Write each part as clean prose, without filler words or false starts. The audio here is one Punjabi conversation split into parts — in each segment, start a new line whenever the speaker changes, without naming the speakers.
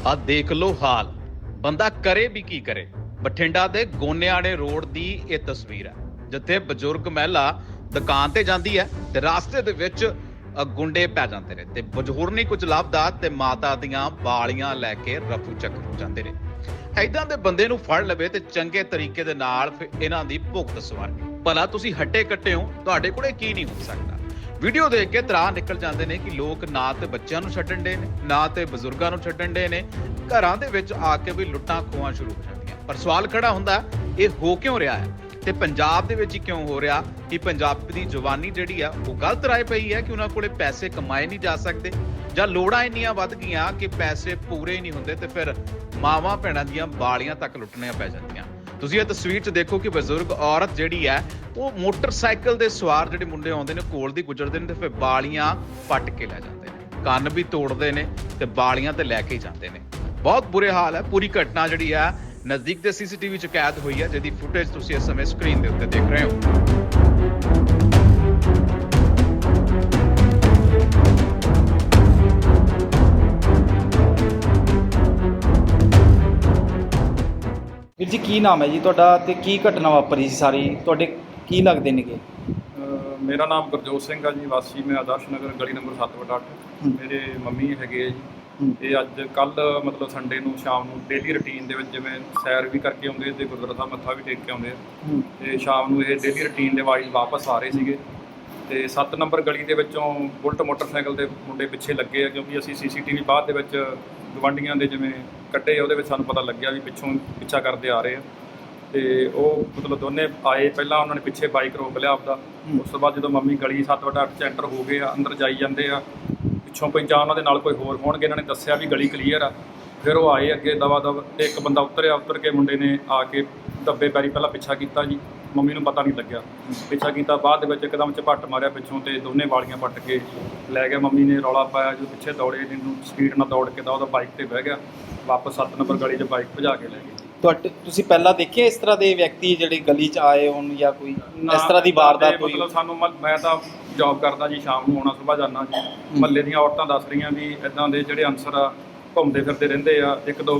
ਆ ਦੇਖ ਲੋ ਹਾਲ, ਬੰਦਾ ਕਰੇ ਵੀ ਕੀ ਕਰੇ। ਬਠਿੰਡਾ ਦੇ ਗੋਨਿਆਣੇ ਰੋਡ ਦੀ ਇਹ ਤਸਵੀਰ ਹੈ, ਜਿੱਥੇ ਬਜ਼ੁਰਗ ਮਹਿਲਾ ਦੁਕਾਨ ਤੇ ਜਾਂਦੀ ਹੈ ਤੇ ਰਾਸਤੇ ਦੇ ਵਿੱਚ ਗੁੰਡੇ ਪੈ ਜਾਂਦੇ ਨੇ ਤੇ ਬਜ਼ੁਰਗ ਨਹੀਂ ਕੁਝ ਲੱਭਦਾ ਤੇ ਮਾਤਾ ਦੀਆਂ ਵਾਲੀਆਂ ਲੈ ਕੇ ਰਫੂ ਚੱਕਰ ਜਾਂਦੇ ਨੇ। ਐਦਾਂ ਦੇ ਬੰਦੇ ਨੂੰ ਫੜ ਲਵੇ ਤੇ ਚੰਗੇ ਤਰੀਕੇ ਦੇ ਨਾਲ ਫਿਰ ਇਹਨਾਂ ਦੀ ਭੁਗਤ ਸਵਾਰਨੀ। ਭਲਾ ਤੁਸੀਂ ਹੱਟੇ ਕੱਟੇ ਹੋ, ਤੁਹਾਡੇ ਕੋਲੇ ਕੀ ਨਹੀਂ ਹੋ ਸਕਦਾ। ਵੀਡੀਓ ਦੇਖ ਕੇ ਤਰਾਹ ਨਿਕਲ ਜਾਂਦੇ ਨੇ ਕਿ ਲੋਕ ਨਾ ਤੇ ਬੱਚਿਆਂ ਨੂੰ ਛੱਡਣ ਦੇ ਨੇ, ਨਾ ਤੇ ਬਜ਼ੁਰਗਾਂ ਨੂੰ ਛੱਡਣ ਦੇ ਨੇ, ਘਰਾਂ ਦੇ ਵਿੱਚ ਆ ਕੇ ਵੀ ਲੁੱਟਾਂ ਖੋਹਾਂ ਸ਼ੁਰੂ ਹੋ ਜਾਂਦੀਆਂ। ਪਰ ਸਵਾਲ ਖੜਾ ਹੁੰਦਾ, ਇਹ ਹੋ ਕਿਉਂ ਰਿਹਾ ਹੈ ਤੇ ਪੰਜਾਬ ਦੇ ਵਿੱਚ ਹੀ ਕਿਉਂ ਹੋ ਰਿਹਾ? ਕਿ ਪੰਜਾਬ ਦੀ ਜਵਾਨੀ ਜਿਹੜੀ ਆ ਉਹ ਗਲਤ ਰਾਹ ਪਈ ਹੈ ਕਿ ਉਹਨਾਂ ਕੋਲੇ ਪੈਸੇ ਕਮਾਏ ਨਹੀਂ ਜਾ ਸਕਦੇ, ਜਾਂ ਲੋੜਾਂ ਇੰਨੀਆਂ ਵੱਧ ਗਈਆਂ ਕਿ ਪੈਸੇ ਪੂਰੇ ਹੀ ਨਹੀਂ ਹੁੰਦੇ ਤੇ ਫਿਰ ਮਾਵਾਂ ਭੈਣਾਂ ਦੀਆਂ ਬਾਲੀਆਂ ਤੱਕ ਲੁੱਟਣੀਆਂ ਪੈ ਜਾਂਦੀਆਂ। ਤੁਸੀਂ ਇਹ ਤਸਵੀਰ 'ਚ ਦੇਖੋ ਕਿ ਬਜ਼ੁਰਗ ਔਰਤ ਜਿਹੜੀ ਹੈ ਉਹ ਮੋਟਰਸਾਈਕਲ ਦੇ ਸਵਾਰ ਜਿਹੜੇ ਮੁੰਡੇ ਆਉਂਦੇ ਨੇ ਕੋਲ ਦੀ ਗੁਜ਼ਰਦੇ ਨੇ ਤੇ ਫਿਰ ਬਾਲੀਆਂ ਪੱਟ ਕੇ ਲੈ ਜਾਂਦੇ ਨੇ, ਕੰਨ ਵੀ ਤੋੜਦੇ ਨੇ ਤੇ ਬਾਲੀਆਂ ਤੇ ਲੈ ਕੇ ਜਾਂਦੇ ਨੇ। ਬਹੁਤ ਬੁਰੇ ਹਾਲ ਹੈ। ਪੂਰੀ ਘਟਨਾ ਜਿਹੜੀ ਹੈ ਨਜ਼ਦੀਕ ਦੇ ਸੀਸੀਟੀਵੀ 'ਚ ਕੈਦ ਹੋਈ ਹੈ, ਜਿਹਦੀ ਫੁਟੇਜ ਤੁਸੀਂ ਇਸ ਸਮੇਂ ਸਕਰੀਨ ਦੇ ਉੱਤੇ ਦੇਖ ਰਹੇ ਹੋ।
ਵੀਰ ਜੀ ਕੀ ਨਾਮ ਹੈ ਜੀ ਤੁਹਾਡਾ ਤੇ ਕੀ ਘਟਨਾ ਵਾਪਰੀ ਸੀ ਸਾਰੀ, ਤੁਹਾਡੇ ਕੀ ਲੱਗਦੇ ਨੇਗੇ?
ਮੇਰਾ ਨਾਮ ਗੁਰਜੋਤ ਸਿੰਘ ਆ ਜੀ, ਵਾਸੀ ਮੈਂ ਆਦਰਸ਼ ਨਗਰ ਗਲੀ ਨੰਬਰ 7/8। ਮੇਰੇ ਮੰਮੀ ਹੈਗੇ ਆ ਜੀ। ਇਹ ਅੱਜ ਕੱਲ੍ਹ ਮਤਲਬ ਸੰਡੇ ਨੂੰ ਸ਼ਾਮ ਨੂੰ ਡੇਲੀ ਰੂਟੀਨ ਦੇ ਵਿੱਚ ਜਿਵੇਂ ਸੈਰ ਵੀ ਕਰਕੇ ਆਉਂਦੇ ਤੇ ਗੁਰਦੁਆਰਾ ਸਾਹਿਬ ਮੱਥਾ ਵੀ ਟੇਕ ਕੇ ਆਉਂਦੇ ਆ ਤੇ ਸ਼ਾਮ ਨੂੰ ਇਹ ਡੇਲੀ ਰੂਟੀਨ ਦੇ ਵਾਈਜ਼ ਵਾਪਸ ਆ ਰਹੇ ਸੀਗੇ ਤੇ 7 ਨੰਬਰ ਗਲੀ ਦੇ ਵਿੱਚੋਂ ਬੁਲਟ ਮੋਟਰਸਾਈਕਲ ਦੇ ਮੁੰਡੇ ਪਿੱਛੇ ਲੱਗੇ ਆ, ਕਿਉਂਕਿ ਅਸੀਂ ਸੀਸੀਟੀਵੀ ਬਾਅਦ ਦੇ ਵਿੱਚ ਗਵਾਂਢੀਆਂ ਦੇ ਜਿਵੇਂ ਕੱਢੇ ਉਹਦੇ ਵਿੱਚ ਸਾਨੂੰ ਪਤਾ ਲੱਗਿਆ ਵੀ ਪਿੱਛੋਂ ਪਿੱਛਾ ਕਰਦੇ ਆ ਰਹੇ ਆ ਤੇ ਉਹ ਮਤਲਬ ਦੋਨੇ ਆਏ। ਪਹਿਲਾਂ ਉਹਨਾਂ ਨੇ ਪਿੱਛੇ ਬਾਈਕ ਰੋਕ ਲਿਆ ਆਪਦਾ, ਉਸ ਤੋਂ ਬਾਅਦ ਜਦੋਂ ਮੰਮੀ ਗਲੀ 7/8 'ਚ ਐਂਟਰ ਹੋ ਗਏ ਆ, ਅੰਦਰ ਜਾਈ ਜਾਂਦੇ ਆ, ਪਿੱਛੋਂ ਕੋਈ ਜਾਂ ਉਹਨਾਂ ਦੇ ਨਾਲ ਕੋਈ ਹੋਰ ਹੋਣਗੇ, ਇਹਨਾਂ ਨੇ ਦੱਸਿਆ ਵੀ ਗਲੀ ਕਲੀਅਰ ਆ। ਫਿਰ ਉਹ ਆਏ ਅੱਗੇ ਦਵਾ ਦਵ ਤੇ ਇੱਕ ਬੰਦਾ ਉਤਰ ਕੇ ਮੁੰਡੇ ਨੇ ਆ ਕੇ ਦੱਬੇ ਪੈਰੀ ਪਹਿਲਾਂ ਪਿੱਛਾ ਕੀਤਾ ਜੀ, ਮੰਮੀ ਨੂੰ ਪਤਾ ਨਹੀਂ ਲੱਗਿਆ ਪਿੱਛਾ ਕੀਤਾ, ਬਾਅਦ ਦੇ ਵਿੱਚ ਇੱਕਦਮ ਝਪੱਟ ਮਾਰਿਆ ਪਿੱਛੋਂ ਤੇ ਦੋਨੇ ਵਾਲੀਆਂ ਪੱਟ ਕੇ ਲੈ ਗਿਆ। ਮੰਮੀ ਨੇ ਰੌਲਾ ਪਾਇਆ, ਜੋ ਪਿੱਛੇ ਦੌੜੇ ਇਹਨੂੰ ਸਪੀਡ ਨਾਲ ਦੌੜ ਕੇ ਤਾਂ ਉਹਦਾ ਬਾਈਕ ਤੇ ਬਹਿ ਗਿਆ, ਵਾਪਸ 7 ਨੰਬਰ ਗਲੀ 'ਚ ਬਾਈਕ ਭਜਾ ਕੇ ਲੈ ਗਏ।
ਤੁਸੀਂ ਪਹਿਲਾਂ ਦੇਖੇ ਇਸ ਤਰ੍ਹਾਂ ਦੇ ਵਿਅਕਤੀ ਜਿਹੜੇ ਗਲੀ 'ਚ ਆਏ ਹੋਣ ਜਾਂ ਕੋਈ ਇਸ ਤਰ੍ਹਾਂ ਦੀ ਵਾਰਦਾਤ ਹੋਈ?
ਮਤਲਬ ਸਾਨੂੰ ਮੈਂ ਤਾਂ ਜੌਬ ਕਰਦਾ ਜੀ, ਸ਼ਾਮ ਨੂੰ ਆਉਣਾ ਸੁਬਾਹ ਜਾਂਦਾ ਜੀ। ਮਹੱਲੇ ਦੀਆਂ ਔਰਤਾਂ ਦੱਸ ਰਹੀਆਂ ਵੀ ਇੱਦਾਂ ਦੇ ਜਿਹੜੇ ਅਨਸਰ ਆ ਘੁੰਮਦੇ ਫਿਰਦੇ ਰਹਿੰਦੇ ਆ। ਇੱਕ ਦੋ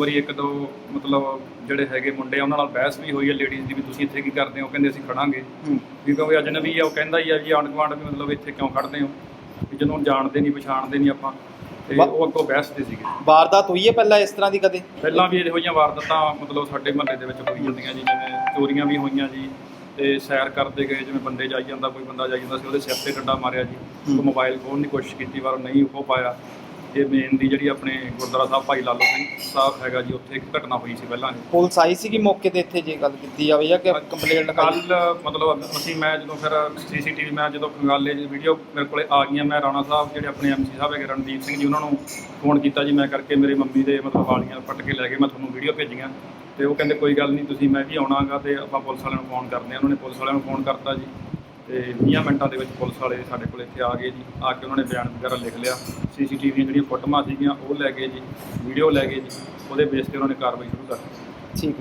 ਮਤਲਬ ਜਿਹੜੇ ਹੈਗੇ ਮੁੰਡੇ ਆ ਉਹਨਾਂ ਨਾਲ ਬਹਿਸ ਵੀ ਹੋਈ ਹੈ ਲੇਡੀਜ਼ ਦੀ ਵੀ ਤੁਸੀਂ ਇੱਥੇ ਕੀ ਕਰਦੇ ਹੋ, ਕਹਿੰਦੇ ਅਸੀਂ ਖੜਾਂਗੇ ਵੀ ਕਿਉਂਕਿ ਅਜਨਬੀ ਆ। ਉਹ ਕਹਿੰਦਾ ਹੀ ਆ ਵੀ ਆਂਢ ਗੁਆਂਢ ਵੀ ਮਤਲਬ ਇੱਥੇ ਕਿਉਂ ਖੜਦੇ ਹੋ ਵੀ ਜਦੋਂ ਜਾਣਦੇ ਨਹੀਂ ਪਛਾਣਦੇ ਨਹੀਂ ਆਪਾਂ, ਤੇ ਉਹ ਅੱਗੋਂ ਬਹਿਸ ਦੇ ਸੀਗੇ।
ਵਾਰਦਾਤ ਹੋਈ ਹੈ ਪਹਿਲਾਂ ਇਸ ਤਰ੍ਹਾਂ ਦੀ ਕਦੇ?
ਪਹਿਲਾਂ ਵੀ ਇਹੋ ਜਿਹੀਆਂ ਵਾਰਦਾਤਾਂ ਮਤਲਬ ਸਾਡੇ ਮਹੱਲੇ ਦੇ ਵਿੱਚ ਹੋਈ ਜਾਂਦੀਆਂ ਜੀ, ਜਿਵੇਂ ਚੋਰੀਆਂ ਵੀ ਹੋਈਆਂ ਜੀ ਤੇ ਸੈਰ ਕਰਦੇ ਗਏ, ਜਿਵੇਂ ਬੰਦੇ ਜਾਈ ਜਾਂਦਾ, ਕੋਈ ਬੰਦਾ ਜਾਈ ਜਾਂਦਾ ਸੀ ਉਹਦੇ ਸਿਰ ਤੇ ਡੰਡਾ ਮਾਰਿਆ ਜੀ, ਉਹ ਮੋਬਾਈਲ ਖੋਹਣ ਦੀ ਕੋਸ਼ਿਸ਼ ਕੀਤੀ ਪਰ ਨਹੀਂ ਖੋਹ ਪਾਇਆ। ਇਹ ਮੇਨ ਦੀ ਜਿਹੜੀ ਆਪਣੇ ਗੁਰਦੁਆਰਾ ਸਾਹਿਬ ਭਾਈ ਲਾਲੋ ਸਿੰਘ ਸਾਹਿਬ ਹੈਗਾ ਜੀ, ਉੱਥੇ ਇੱਕ ਘਟਨਾ ਹੋਈ ਸੀ ਪਹਿਲਾਂ।
ਪੁਲਿਸ ਆਈ ਸੀ ਕਿ ਮੌਕੇ ਤੇ ਇੱਥੇ ਜੇ ਗੱਲ ਕੀਤੀ ਜਾਵੇ ਜਾਂ ਕਿ ਕੰਪਲੇਂਟ
ਕੱਲ੍ਹ ਮਤਲਬ ਮੈਂ ਜਦੋਂ ਫਿਰ ਸੀਸੀਟੀਵੀ ਮੈਂ ਜਦੋਂ ਖੰਗਾਲੇ ਜੀ ਵੀਡੀਓ ਮੇਰੇ ਕੋਲੇ ਆ ਗਈਆਂ, ਮੈਂ ਰਾਣਾ ਸਾਹਿਬ ਜਿਹੜੇ ਆਪਣੇ ਐਮਸੀ ਸਾਹਿਬ ਹੈਗੇ ਰਣਦੀਪ ਸਿੰਘ ਜੀ, ਉਹਨਾਂ ਨੂੰ ਫੋਨ ਕੀਤਾ ਜੀ ਮੈਂ ਕਰਕੇ, ਮੇਰੇ ਮੰਮੀ ਦੇ ਮਤਲਬ ਵਾਲੀਆਂ ਪੱਟ ਕੇ ਲੈ ਗਏ, ਮੈਂ ਤੁਹਾਨੂੰ ਵੀਡੀਓ ਭੇਜੀਆਂ ਤੇ ਉਹ ਕਹਿੰਦੇ ਕੋਈ ਗੱਲ ਨਹੀਂ ਤੁਸੀਂ ਮੈਂ ਵੀ ਆਉਣਾਗਾ ਤੇ ਆਪਾਂ ਪੁਲਿਸ ਵਾਲਿਆਂ ਨੂੰ ਫੋਨ ਕਰਦੇ ਹਾਂ। ਉਹਨਾਂ ਨੇ ਪੁਲਿਸ ਵਾਲਿਆਂ ਨੂੰ ਫੋਨ ਕਰਤਾ ਜੀ ਤੇ 20 ਮਿੰਟਾਂ ਦੇ ਵਿੱਚ ਪੁਲਿਸ ਵਾਲੇ ਸਾਡੇ ਕੋਲ ਇੱਥੇ ਆ ਗਏ ਜੀ। ਆ ਕੇ ਉਹਨਾਂ ਨੇ ਬਿਆਨ ਵਗੈਰਾ ਲਿਖ ਲਿਆ, ਸੀਸੀਟੀਵੀ ਦੀਆਂ ਜਿਹੜੀਆਂ ਫੋਟੋਆਂ ਸੀਗੀਆਂ ਉਹ ਲੈ ਗਏ ਜੀ, ਵੀਡੀਓ ਲੈ ਗਏ ਜੀ, ਉਹਦੇ ਬੇਸ ਤੇ ਉਹਨਾਂ ਨੇ ਕਾਰਵਾਈ ਸ਼ੁਰੂ ਕਰ ਦਿੱਤੀ।
ਠੀਕ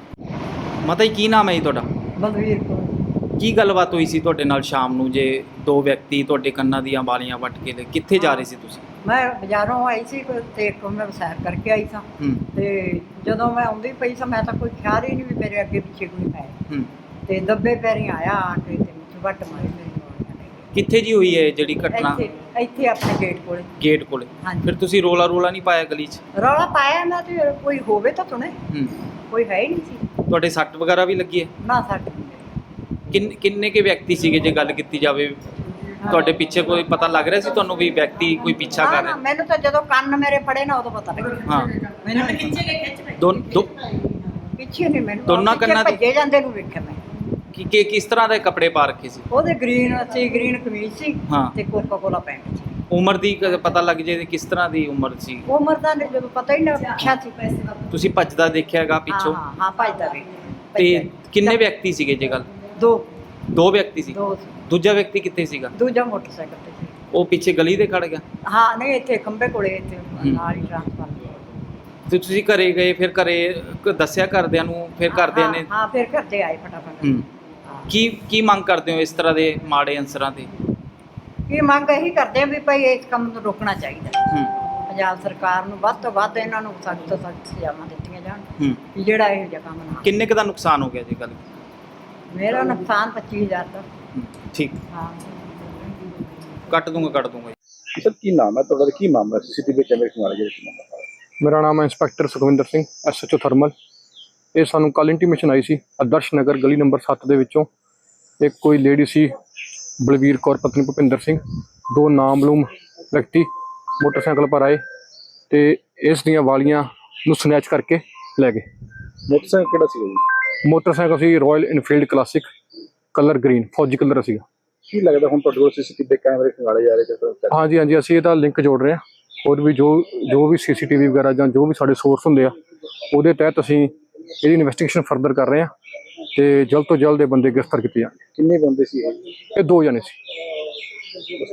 ਹੈ। ਮਾਤਾ ਜੀ ਕੀ ਨਾਮ ਹੈ ਜੀ ਤੁਹਾਡਾ?
ਬਲਵੀਰ ਕੌਰ।
ਕੀ ਗੱਲਬਾਤ ਹੋਈ ਸੀ ਤੁਹਾਡੇ ਨਾਲ ਸ਼ਾਮ ਨੂੰ ਜੇ ਦੋ ਵਿਅਕਤੀ ਤੁਹਾਡੇ ਕੰਨਾਂ ਦੀਆਂ ਵਾਲੀਆਂ ਵੱਟ ਕੇ ਲੈ ਕਿੱਥੇ ਜਾ ਰਹੇ ਸੀ ਤੁਸੀਂ?
ਮੈਂ ਬਾਜ਼ਾਰੋਂ ਆਈ ਸੀ ਤੇ ਇੱਕ ਮੈਂ ਸੈਰ ਕਰਕੇ ਆਈ ਸਾਂ ਤੇ ਜਦੋਂ ਮੈਂ ਆਉਂਦੀ ਪਈ ਸਾਂ ਮੈਂ ਤਾਂ ਕੋਈ ਖਿਆਲ ਹੀ ਨਹੀਂ ਵੀ ਮੇਰੇ ਅੱਗੇ ਪਿੱਛੇ ਕੋਈ ਹੈ ਤੇ ਦੱਬੇ ਪੈਰੀ ਆਇਆ ਆ ਕੇ ਤੇ ਮੈਨੂੰ ਵੱਟ ਮਾਰੀ ਮੇਰੀ ਵਾਲੀਆਂ ਲੈ ਗਏ।
ਕਿੱਥੇ ਜੀ ਹੋਈ ਹੈ ਜਿਹੜੀ ਘਟਨਾ?
ਇੱਥੇ ਆਪਣੇ ਗੇਟ ਕੋਲੇ।
ਹਾਂਜੀ। ਫਿਰ ਤੁਸੀਂ ਰੋਲਾ ਨਹੀਂ ਪਾਇਆ ਗਲੀ 'ਚ?
ਰੌਲਾ ਪਾਇਆ ਨਾ ਤੇ ਕੋਈ ਹੋਵੇ ਤਾਂ ਸੁਣੇ, ਕੋਈ ਹੈ ਹੀ ਨਹੀਂ ਸੀ।
ਤੁਹਾਡੇ ਸੱਟ ਵਗੈਰਾ ਵੀ ਲੱਗੀ ਹੈ?
ਨਾ ਸਾਡੇ
ਕਿੰਨੇ ਕੇ ਵਿਅਕਤੀ ਸੀਗੇ ਜੇ ਗੱਲ ਕੀਤੀ ਜਾਵੇ? ਤੁਹਾਡੇ ਪਿੱਛੇ ਕੋਈ ਪਤਾ ਲੱਗ ਰਿਹਾ ਸੀ ਤੁਹਾਨੂੰ ਵੀ ਵਿਅਕਤੀ ਕੋਈ ਪਿੱਛਾ ਕਰ ਰਿਹਾ?
ਮੈਨੂੰ ਤਾਂ ਜਦੋਂ ਕੰਨ ਮੇਰੇ ਫੜੇ ਨਾ ਉਦੋਂ ਪਤਾ ਲੱਗਿਆ।
ਹਾਂ
ਮੈਨੂੰ ਪਿੱਛੇ ਨਹੀਂ, ਮੈਨੂੰ
ਦੋਨਾਂ ਕੰਨਾਂ ਦੇ
ਭੱਜੇ ਜਾਂਦੇ ਨੂੰ ਵੇਖਿਆ ਮੈਂ।
ਕਿ ਕਿਸ ਤਰ੍ਹਾਂ ਦੇ ਕੱਪੜੇ ਪਾ ਰੱਖੇ ਸੀ?
ਉਹਦੇ ਗ੍ਰੀਨ ਕਮੀਜ਼ ਸੀ ਤੇ ਕੋਕਾ ਕੋਲਾ ਪੈਂਟ ਸੀ।
ਉਮਰ ਦੀ ਪਤਾ ਲੱਗ ਜੇ ਕਿਸ ਤਰ੍ਹਾਂ ਦੀ ਉਮਰ ਸੀ?
ਉਮਰ ਦਾ ਜਦੋਂ ਪਤਾ ਹੀ ਨਾ ਪੁੱਛਿਆ ਸੀ।
ਤੁਸੀਂ ਭੱਜਦਾ ਦੇਖਿਆਗਾ ਪਿੱਛੋਂ?
ਹਾਂ ਭੱਜਦਾ ਵੀ।
ਤੇ ਕਿੰਨੇ ਵਿਅਕਤੀ ਸੀਗੇ ਜੇ ਗੱਲ? ਦੋ ਵਿਅਕਤੀ ਸੀ। ਦੂਜਾ ਵਿਅਕਤੀ ਕਿੱਥੇ ਸੀਗਾ?
ਦੂਜਾ ਮੋਟਰਸਾਈਕਲ ਤੇ ਸੀ।
ਉਹ ਪਿੱਛੇ ਗਲੀ ਦੇ ਖੜ ਗਿਆ?
ਹਾਂ ਨਹੀਂ, ਇੱਥੇ ਖੰਬੇ ਕੋਲੇ ਇੱਥੇ ਨਾਲ ਹੀ ਟ੍ਰਾਂਸਫਾਰਮਰ।
ਤੇ ਤੁਸੀਂ ਘਰੇ ਗਏ, ਫਿਰ ਘਰੇ ਦੱਸਿਆ ਘਰਦਿਆਂ ਨੂੰ? ਫਿਰ ਘਰਦਿਆਂ ਨੇ?
ਹਾਂ ਫਿਰ ਘਰਦੇ ਆਏ ਫਟਾਫਟ।
ਕੀ ਮੰਗ ਕਰਦੇ ਹੋ ਇਸ ਤਰ੍ਹਾਂ ਦੇ ਮਾੜੇ ਅਨਸਰਾਂ ਤੇ?
ਕੀ ਮੰਗ ਇਹੀ ਕਰਦੇ ਆ ਵੀ ਭਾਈ ਇਸ ਕੰਮ ਨੂੰ ਰੋਕਣਾ ਚਾਹੀਦਾ। ਪੰਜਾਬ ਸਰਕਾਰ ਨੂੰ ਵੱਧ ਤੋਂ ਵੱਧ ਇਹਨਾਂ ਨੂੰ ਸਖਤ ਤੋਂ ਸਖਤ ਸਜ਼ਾਵਾਂ ਦਿੱਤੀਆਂ ਜਾਣ
ਹੂੰ
ਵੀ ਜਿਹੜਾ ਇਹੋ ਜਿਹਾ ਕੰਮ ਨਾ।
ਕਿੰਨੇ ਕੁ ਦਾ ਨੁਕਸਾਨ ਹੋ ਗਿਆ ਜੀ ਗੱਲ?
ਮੇਰਾ ਨੁਕਸਾਨ 25000 ਦਾ।
ਠੀਕ,
ਹਾਂ
ਕੱਟ ਦੂੰਗਾ ਜੀ।
ਸਰ ਕੀ ਨਾਮ ਹੈ ਤੁਹਾਡਾ, ਕੀ ਮਾਮਲਾ ਸੀਸੀਟੀਵੀ ਕੈਮਰੇ ਖਿਵਾਲੇ ਜਿਹੜੇ
ਮੇਰਾ ਨਾਮ ਹੈ inspector Sukhwinder Singh, SHO thermal. ਇਹ ਸਾਨੂੰ ਕੱਲ ਇੰਟੀਮੇਸ਼ਨ ਆਈ ਸੀ ਆਦਰਸ਼ ਨਗਰ ਗਲੀ ਨੰਬਰ 7 ਦੇ ਵਿੱਚੋਂ ਇੱਕ ਕੋਈ ਲੇਡੀ ਸੀ ਬਲਵੀਰ ਕੌਰ ਪਤਨੀ ਭੁਪਿੰਦਰ ਸਿੰਘ, 2 ਨਾਮਲੂਮ ਵਿਅਕਤੀ ਮੋਟਰਸਾਈਕਲ ਪਰ ਆਏ ਤੇ ਇਸ ਦੀਆਂ ਵਾਲੀਆਂ ਨੂੰ ਸਨੈਚ ਕਰਕੇ ਲੈ ਗਏ।
ਮੋਟਰਸਾਈਕਲ ਕਿਹੜਾ ਸੀ ਜੀ?
ਮੋਟਰਸਾਈਕਲ ਸੀ Royal Enfield Classic, colour green, ਫੌਜੀ ਕਲਰ ਸੀਗਾ।
ਕੀ ਲੱਗਦਾ ਹੁਣ ਤੁਹਾਡੇ ਕੋਲ ਸੀਸੀਟੀਵੀ ਕੈਮਰੇ ਖਿਵਾਲੇ ਜਾ ਰਹੇ ਕਿਸ
ਹਾਂਜੀ, ਅਸੀਂ ਇਹਦਾ ਲਿੰਕ ਜੋੜ ਰਹੇ ਹਾਂ। ਹੋਰ ਵੀ ਜੋ ਵੀ CCTV ਵਗੈਰਾ ਜਾਂ ਜੋ ਵੀ ਸਾਡੇ ਸੋਰਸ ਹੁੰਦੇ ਆ ਉਹਦੇ ਤਹਿਤ ਅਸੀਂ ਇਹਦੀ ਇਨਵੈਸਟੀਗੇਸ਼ਨ ਫਰਦਰ ਕਰ ਰਹੇ ਹਾਂ ਤੇ ਜਲਦ ਤੋਂ ਜਲਦ ਇਹ ਬੰਦੇ ਗ੍ਰਿਫਤਾਰ ਕੀਤੇ ਜਾਣ।
ਕਿੰਨੇ ਬੰਦੇ ਸੀ ਇਹ?
ਇਹ 2 ਜਣੇ ਸੀ।